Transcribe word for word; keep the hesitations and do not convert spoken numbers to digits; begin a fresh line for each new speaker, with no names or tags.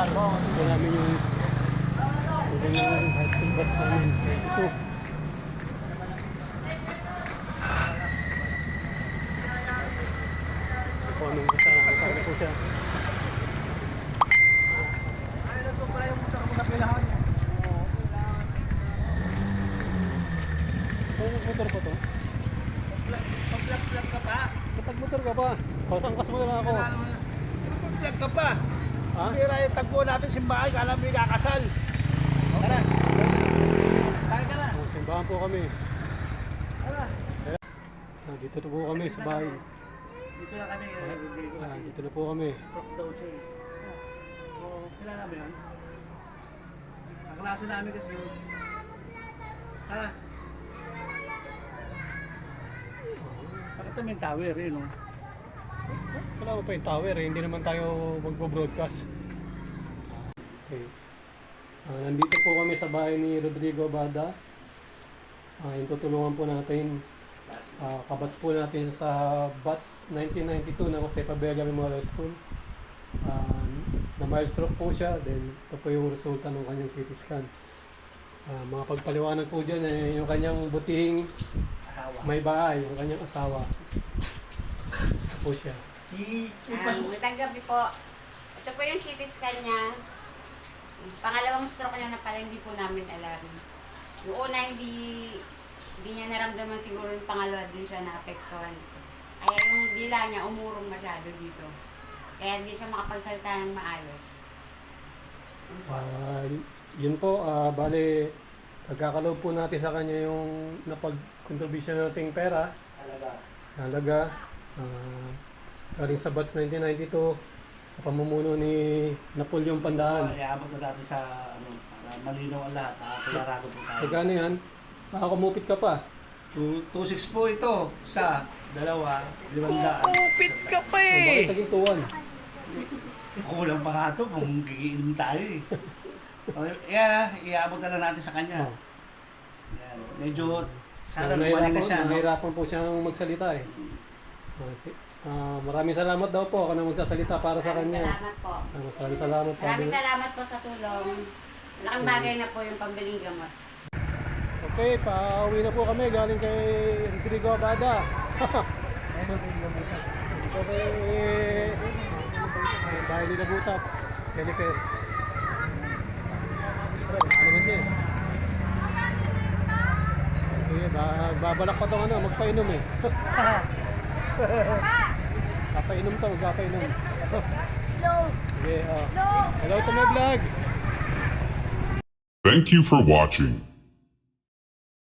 Ito namin yung ito yung high school bus namin. Ito. Ito po anong bus na. Ito po siya. Anong motor po to?
Pag-vlog-vlog ka pa?
Kapag motor ka pa? Pasangkas mo na lang ako.
Pag-vlog ka pa?
Ha?
Pira yung tagpo natin simbahan, kala mo yung kakasal. Tara. Tayo ka na.
Oh, simbahan po kami.
Tara.
Ah, dito na po kami sa bahay.
Dito na kami.
Ah, dito na po kami.
Stop daw siya eh. Oo, kailan namin yun? Ang klase namin kasi yun. Tara. Pakita mo yung tower eh, no?
Wala mo pa yung tower eh, hindi naman tayo magbo-broadcast. Okay. Ah, nandito po kami sa bahay ni Rodrigo Abada. Ah, yung tutulungan po natin. Ah, kabats po natin sa Bats nineteen ninety-two na Jose Pabella Memorial School. Ah, na mild stroke po siya, then ito po yung resulta ng kanyang C T scan. Ah, mga pagpaliwanag po dyan eh, yung kanyang butihing may bahay, yung kanyang asawa. Ito po siya.
Um, Magandang gabi po. Ito po yung C T scan niya. Pangalawang stroke niya na pala hindi po namin alam. Yung una hindi, hindi niya naramdaman siguro yung pangalawa din siya na-apektuhan. Kaya yung dila niya umurong masyado dito. Kaya hindi siya makapagsalita ng maayos. Yun po.
Ah, yun po, ah, bale, pagkakaloob po natin sa kanya yung napag-contribution nating pera,
Talaga.
halaga, ah, galing sa Bats nineteen ninety-two, sa pamumuno ni Napoleon Pandaan.
Iabot na natin sa, ano, para malinaw ang lahat. Nakakularado po tayo.
Pagkano yan? Baka kumupit ka pa.
two six po ito. Sa dalawa, limandaan.
Kupit ka pa
O, bakit naging tuwan?
Kulang pa nga ito kung gigiinom tayo eh. Okay, yan ah, iabot na lang natin sa kanya.
Oh.
Yan. Medyo, sana
So,
gumaling na
nahirapan,
siya, no?
nahirapan po siyang magsalita eh. Ah, si- ah, maraming salamat daw po ako na magsasalita para sa
Maraming
kanya.
salamat po.
Ah, maraming salamat.
Maraming
sabi-
salamat po sa tulong. Malaking bagay na po yung pambiling gamot.
Okay, pauwi na po kami galing kay Rodrigo Abada. Ito kay uh, bahay nila Butap, Jennifer. Ano naman siya eh. Sige, ba- babalak pa itong ano, magpainom eh. Kapainom to, magkapainom.
Hello!
Sige, oh.
Hello!
Hello to my vlog!
Thank you for watching.